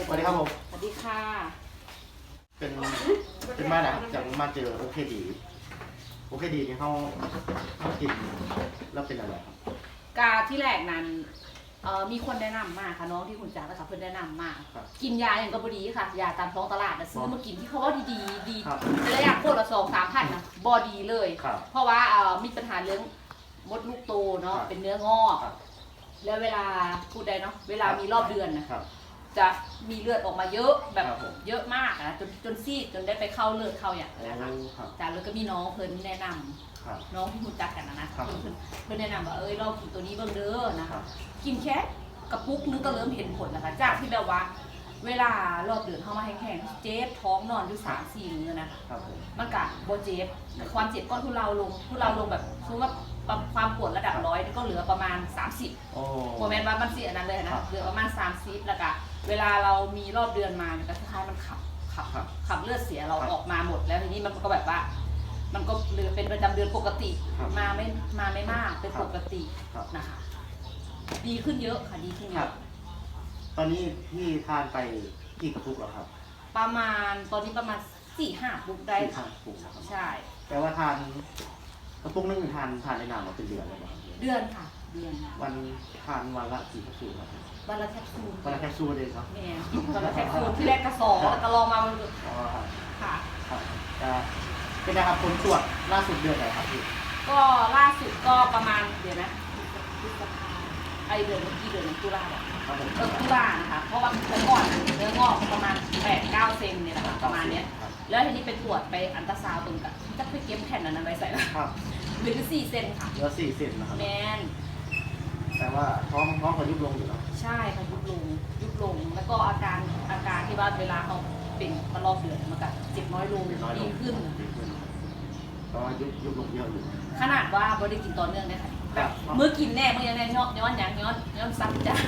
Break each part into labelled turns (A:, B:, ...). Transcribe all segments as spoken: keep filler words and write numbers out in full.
A: วัสดีครับผม
B: สวัสดีค่ะ
A: เป็นเป็นมาแล้วจากมาเจอโอเคดีโอเคดีนี่เขาเขากินแล้วเป็นอะไรครับ
B: กาที่แรกนั้นเอ่อมีคนแนะนำมาค่ะน้องที่คุณจ๋านะคะเพื่อนแนะนำมากินยาอย่างก็บดีค่ะยาตามท้องตลาดนะซื้อมากินที่เขาว่าดีดีดีแต่ละอย่างโคตรละสองสามพันนะบอดีเลยเพราะว่าเอ่อมีปัญหาเรื่องมดลูกโตเนาะเป็นเนื้องอกแล้วเวลาพูดได้เนาะเวลามีรอบเดือนนะจะมีเลือดออกมาเยอะแบบเยอะมากนะจนจนซีดจนได้ไปเข้าเลือดเข้าอย่างนะคะจากแล้วก็มีน้องเพิ่นแนะนำน้องที่รู้จักกันนะนะเพิ่นเพิ่นแนะนำว่าเอ้ยลองกินตัวนี้เบิ่งเด้อนะคะกินแค่กระปุกนึงก็เริ่มเห็นผลนะคะจากที่แบบว่าเวลารอบเดือนเข้ามาแห้งๆเจ็บท้องนอนอยู่สามสี่มื้อนะมันกะโบเจ็บความเจ็บก็ทุเลาลงทุเลาลงแบบสมมติว่าความปวดระดับร้อยก็เหลือประมาณสามสิบโมเมนต์ว่ามันเสียนั้นเลยนะเหลือประมาณสามสิบแล้วก็เวลาเรามีรอบเดือนมาก็คล้ายๆมันขับขับขับเลือดเสียเราออกมาหมดแล้วทีนี้มันก็แบบว่ามันก็เหลือเป็นประจำเดือนปกติมาไม่มาไม่มากเป็นปกตินะคะดีขึ้นเยอะค่ะดีขึ้นเยอะ
A: ตอนนี้พี่ทานไปกี่กระปุกแล้วครับ
B: ประมาณตอนนี้ประมาณสี่ห้าปุกได้
A: ค่ะปุกนะครับ
B: ใช่
A: แต่ว่าทานกระปุกนึงทานทานในนานมาเป็นเดือนเลยไหม
B: เดือนค่ะเดือน
A: วันทานวันละกี่แคปซูลครับ
B: วันละแคปซูล
A: วันละแคปซูลเลยครับ
B: แม่วันละแคปซูลที่แรกกระสอบแล้วก็ลองมามัน
A: อ๋อ
B: ค่ะ
A: ครับเป็นนะครับผลตรวจล่าสุดเดือนไหนครับพี่
B: ก็ล่าสุดก็ประมาณเดี๋ยวนะไอเดือนเมื่อกี้เดือนตุลาเนี่ยเออตุลานะคะเพราะว่าเมื่อก่อนเนื้องอกประมาณแปดเก้าเซนเนี่ยนะคะประมาณเนี้ยแล้วทีนี้ไปตรวจไปอันตราซาวด์ตรงกับจะไปเก็บแผ่นนั้นไปใส่แล้วเหลือสี่เซนค่ะ
A: เหลือสี่เซนนะครับ
B: แมน
A: แต่ว่าท้องท้องเขายุบลงอยู่แล้ว
B: ใช่ค่ะยุบลงยุบลงแล้วก็อาการอาการที่ว่าเวลาเขาเป็นตลอดเดือนมันก็เจ็บน้อยลงดีขึ้น
A: เพราะว่ายุบยุบลงเยอะอยู่
B: ขนาดว่าบริกินต่อเนื่องเลยค่ะแบบมื้อกินแน่มื้อยังไงย้อนย้อนยังย้อนย้อนซับจ้า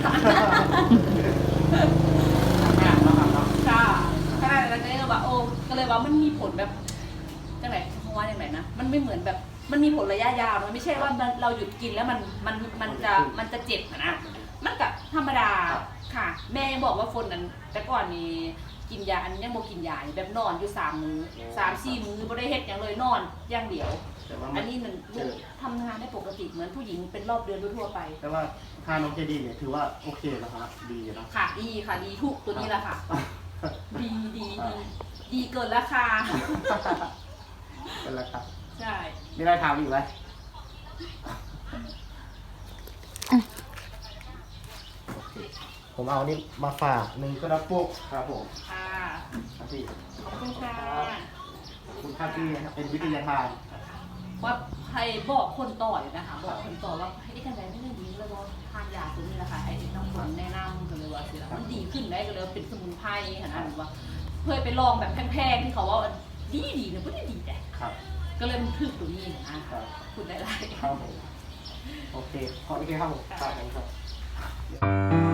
B: ค่ะขนาดนั้นก็เลยว่าโอ้ก็เลยว่ามันมีผลแบบจังไหนเพราะว่าอย่างไรนะมันไม่เหมือนแบบมันมีผลระยะยาวมันไม่ใช่ว่าเราหยุดกินแล้วมันมันมันจะมันจะเจ็บนะมันกับธรรมดาค่ะแม่บอกว่าคนนั้นแต่ก่อนมีกินยาอันนี้ยังโมกินยาแบบนอนอยู่สามมื้อสามสี่มื้อไม่ได้เฮ็ดอย่างเลยนอนอย่างเดียวอันนี้มันทำงานได้ปกติเหมือนผู้หญิงเป็นรอบเดือนทั่วไป
A: แต่ว่าทานโอเคดีเนี่ยถือว่าโอเคนะครับดีนะ
B: ค่ะดีค่ะดีทุกตัวนี้แหละค่ะดีดีดีดีเกินราคา
A: เป็นราคา
B: ใช่
A: มีอะไรถามอีกไหมผมเอานี่มาฝากหนึ่งกระปุกครับผม
B: ค่ะ
A: ครับพี่
B: ขอบคุณค่ะ
A: คุณค่าที่เป็นวิทยาทาน
B: ว่าใครบอกคนต่ออยู่นะคะบอกคนต่อว่าให้ได้กันได้ไม่ได้ดีแล้วก็ทานยาตัวนี้แหละค่ะไอ้น้องฝนแนะนำกันเลยว่าสิมันดีขึ้นได้ก็เลยเป็นสมุนไพรขนาดว่าเคยไปลองแบบแพงๆที่เขาว่าดีดีเนี่ยไม่ได้ดีแต่ก็เลยมันถึกตัวนี้นะคุณได้ไร
A: ครับผมโอเคขออีกทีครับผมครับ